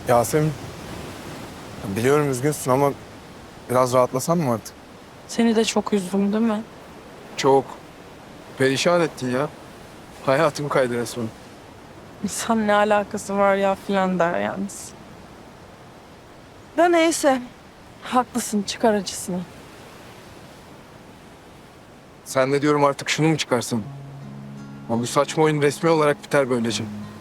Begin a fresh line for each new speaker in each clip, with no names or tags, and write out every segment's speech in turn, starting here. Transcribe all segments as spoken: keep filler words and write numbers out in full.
Yasemin, biliyorum üzgünsün ama biraz rahatlasan mı artık?
Seni de çok üzdüm değil mi?
Çok. Perişan ettin ya. Hayatım kaydı resmen.
İnsan ne alakası var ya filan der yalnız. Da neyse. Haklısın, çıkar acısını.
Sen de diyorum artık şunu mu çıkarsın? Ama bu saçma oyun resmi olarak biter böylece.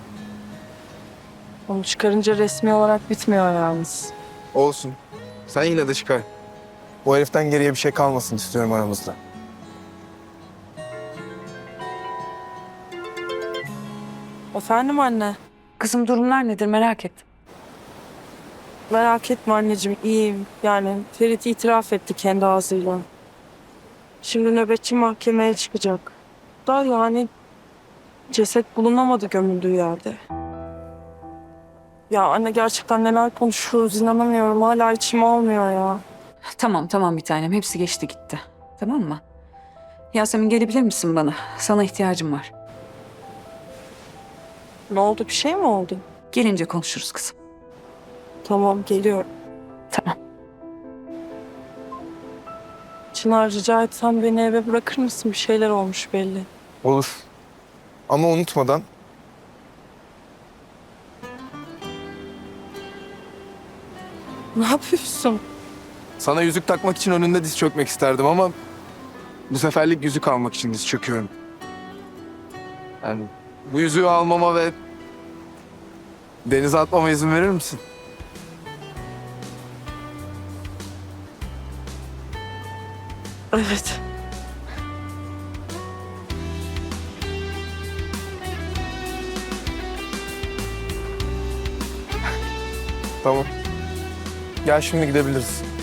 Onu çıkarınca resmi olarak bitmiyor yalnız.
Olsun. Sen yine de çıkar. Bu heriften geriye bir şey kalmasın istiyorum aramızda.
Efendim anne.
Kızım durumlar nedir merak ettim.
Merak etme anneciğim, iyiyim. Yani Ferit itiraf etti kendi ağzıyla. Şimdi nöbetçi mahkemeye çıkacak. Da yani ceset bulunamadı gömüldüğü yerde. Ya anne gerçekten neler konuşuyoruz inanamıyorum. Hala içim almıyor ya.
Tamam tamam bir tanem hepsi geçti gitti. Tamam mı? Yasemin gelebilir misin bana? Sana ihtiyacım var.
Ne oldu, bir şey mi oldu?
Gelince konuşuruz kızım.
Tamam, geliyorum.
Tamam.
Çınar, rica etsem beni eve bırakır mısın? Bir şeyler olmuş belli.
Olur. Ama unutmadan
Ne yapıyorsun?
sana yüzük takmak için önünde diz çökmek isterdim ama bu seferlik yüzük almak için diz çöküyorum. Yani bu yüzüğü almama ve denize atmama izin verir misin?
Evet.
Tamam. Gel şimdi gidebiliriz.